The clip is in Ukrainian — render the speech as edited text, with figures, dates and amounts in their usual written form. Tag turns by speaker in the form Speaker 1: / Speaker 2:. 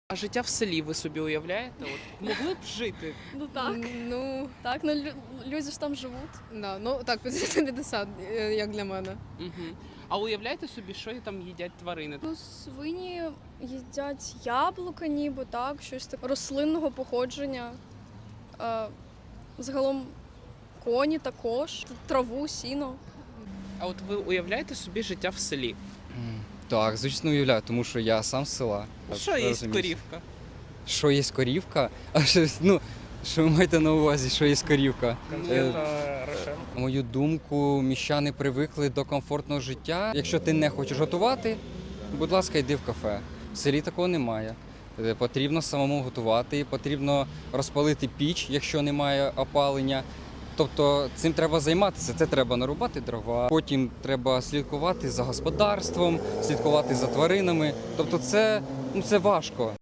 Speaker 1: А життя в селі ви собі уявляєте? От могли б жити?
Speaker 2: Ну так.
Speaker 3: Ну,
Speaker 2: Так, ну люди ж там живуть.
Speaker 3: да, ну так, 50 на 50, як для мене.
Speaker 1: Угу. А уявляєте собі, що там їдять тварини?
Speaker 2: Ну, свині їдять яблука, ніби так, щось таке рослинного походження. Загалом коні також, траву, сіно.
Speaker 1: А от ви уявляєте собі життя в селі?
Speaker 4: Так, звісно, уявляю, тому що я сам з села.
Speaker 1: Що є
Speaker 4: Розумієш.
Speaker 1: корівка?
Speaker 4: Що є корівка? А що, ну, що ви маєте на увазі, що є корівка? На мою думку, міщани привикли до комфортного життя. Якщо ти не хочеш готувати, будь ласка, йди в кафе. В селі такого немає. Потрібно самому готувати, потрібно розпалити піч, якщо немає опалення. Тобто цим треба займатися, це треба нарубати дрова, потім треба слідкувати за господарством, слідкувати за тваринами. Тобто це важко.